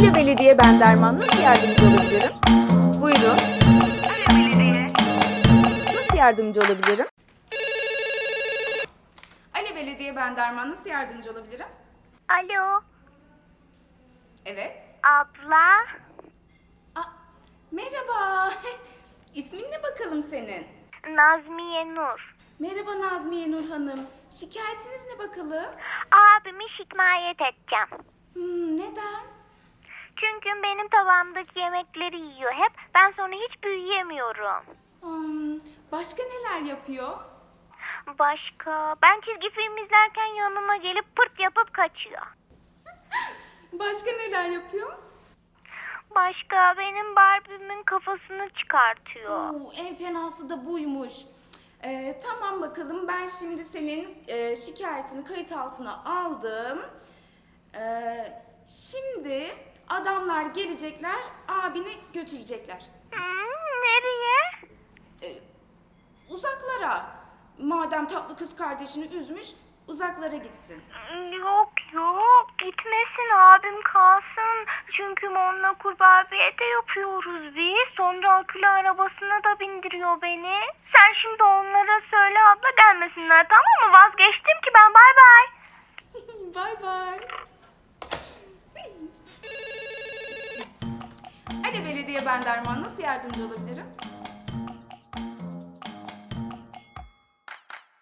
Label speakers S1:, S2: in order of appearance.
S1: Alo Belediye, ben Derman. Nasıl yardımcı olabilirim? Buyurun.
S2: Alo belediye.
S1: Nasıl yardımcı olabilirim? Alo Belediye, ben Derman. Nasıl yardımcı olabilirim?
S2: Alo
S1: Evet.
S2: abla.
S1: Merhaba. İsmin ne bakalım senin?
S2: Nazmiye Nur.
S1: Merhaba Nazmiye Nur Hanım. Şikayetiniz ne bakalım?
S2: Abimi şikayet edeceğim.
S1: Neden?
S2: Çünkü benim tabağımdaki yemekleri yiyor hep. Ben sonra hiç büyüyemiyorum.
S1: Başka neler yapıyor?
S2: Başka? Ben çizgi film izlerken yanıma gelip pırt yapıp kaçıyor.
S1: Başka neler yapıyor?
S2: Başka benim Barbie'min kafasını çıkartıyor.
S1: En fenası da buymuş. Tamam bakalım, ben şimdi senin şikayetini kayıt altına aldım. Şimdi adamlar gelecekler, abini götürecekler.
S2: Nereye?
S1: Uzaklara. Madem tatlı kız kardeşini üzmüş, uzaklara gitsin.
S2: Yok gitmesin, abim kalsın. Çünkü onunla kurbabiye de yapıyoruz biz. Sonra akülü arabasına da bindiriyor beni. Sen şimdi onlara söyle abla, gelmesinler, tamam mı? Vazgeçtim ki ben, bay bay.
S1: Bay bay. Alo Belediye, ben Derman. Nasıl yardımcı olabilirim?